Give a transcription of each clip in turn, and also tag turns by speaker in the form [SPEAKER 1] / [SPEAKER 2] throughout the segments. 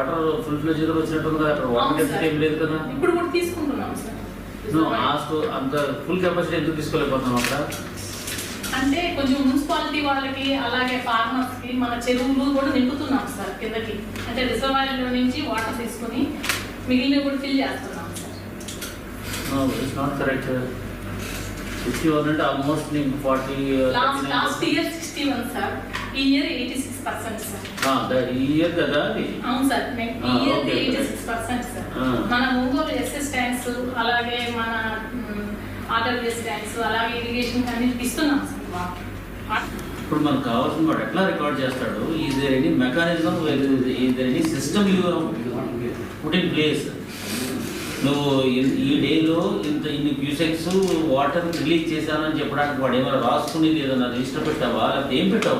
[SPEAKER 1] Water full fledged గా వచ్చినట్టుంది కదా, అక్కడ వాటర్ కెపాసిటీ ఏం లేదు కదా.
[SPEAKER 2] ఇప్పుడు కూడా తీసుకుంటున్నాం సార్.
[SPEAKER 1] అంత ఫుల్ కెపాసిటీ ఎందుకు తీసుకోలేకపోతున్నాం అక్కడ
[SPEAKER 2] అంటే కొంచెం మున్సిపాలిటీ వాళ్ళకి అలాగే ఫార్మర్స్ కి మన చెరువులు కూడా నింపుతున్నాం సార్ కిందకి. అంటే రిజర్వాయర్లో నుంచి వాటర్ తీసుకుని మిగిలినవి కూడా ఫిల్ చేస్తున్నాం సార్.
[SPEAKER 1] It's not correct. 61 అంటే ఆల్మోస్ట్ నీకు 40.
[SPEAKER 2] లాస్ట్ ఇయర్ 61 సార్, ఈ ఇయర్ 86% సార్.
[SPEAKER 1] ఈ ఇయర్ కదా అది.
[SPEAKER 2] అవును సార్, ఈ ఇయర్ 86% సార్. మన ఒంగోలు ఎస్ఎస్ ట్యాంక్స్ అలాగే మన ఆర్డబ్ల్యూఎస్ ట్యాంక్స్ అలాగే ఇరిగేషన్ అన్నిటికి ఇస్తున్నాం సార్.
[SPEAKER 1] ఇప్పుడు మనకు కావాల్సిన వాడు ఎట్లా రికార్డ్ చేస్తాడు? Is there any mechanism, is there any system you put in place? నువ్వు ఈ డేలో ఇన్ని క్యూసెక్స్ వాటర్ రిలీజ్ చేశానని చెప్పడానికి వాడు ఏమైనా రాసుకునేది ఏదైనా రిజిస్టర్ పెట్టావా, లేకపోతే ఏం పెట్టావు?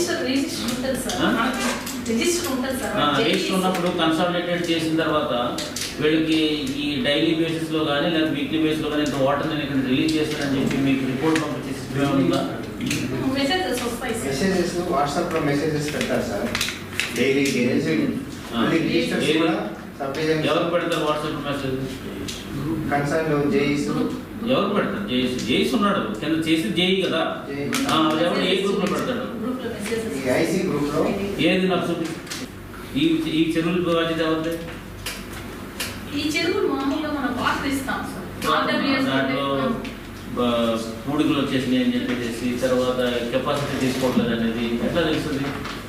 [SPEAKER 1] రిజిస్టర్ ఉన్నప్పుడు కన్సాలిడేటెడ్ చేసిన తర్వాత వీళ్ళకి ఈ డైలీ బేసిస్ లో కానీ లేదా వీక్లీ బేసిస్ లో కానీ ఇంత వాటర్ నేను ఇక్కడ రిలీజ్ చేస్తానని చెప్పి మీకు రిపోర్ట్ పంపించే సిస్టమ్ ఉందా?
[SPEAKER 3] మెసేజెస్ వాట్సాప్ లో మెసేజెస్ పెట్టారు సార్ డైలీ.
[SPEAKER 1] ఎవరు పెడతారు వాట్సాప్ మెసేజ్?
[SPEAKER 3] కన్సర్న్ జేఈస్.
[SPEAKER 1] ఎవరు పెడతారు? జేఈస్ ఉన్నాడు కింద, చేసి జేఈ కదా. ఎవరు ఏ గ్రూప్ లో పెడతాడు?
[SPEAKER 3] ఐసీ గ్రూప్ లో.
[SPEAKER 1] ఏది నాకు చూపి. ఈ చెరువులు బాధ్యత ఎవరిది?
[SPEAKER 2] ఈ చెరువులు మామూలుగా మనం వాటర్ ఇస్తాం సార్.
[SPEAKER 1] దాంట్లో పూడికలు వచ్చేసినాయి అని చెప్పేసి తర్వాత కెపాసిటీ తీసుకోవట్లేదు అనేది ఎట్లా తెలుస్తుంది?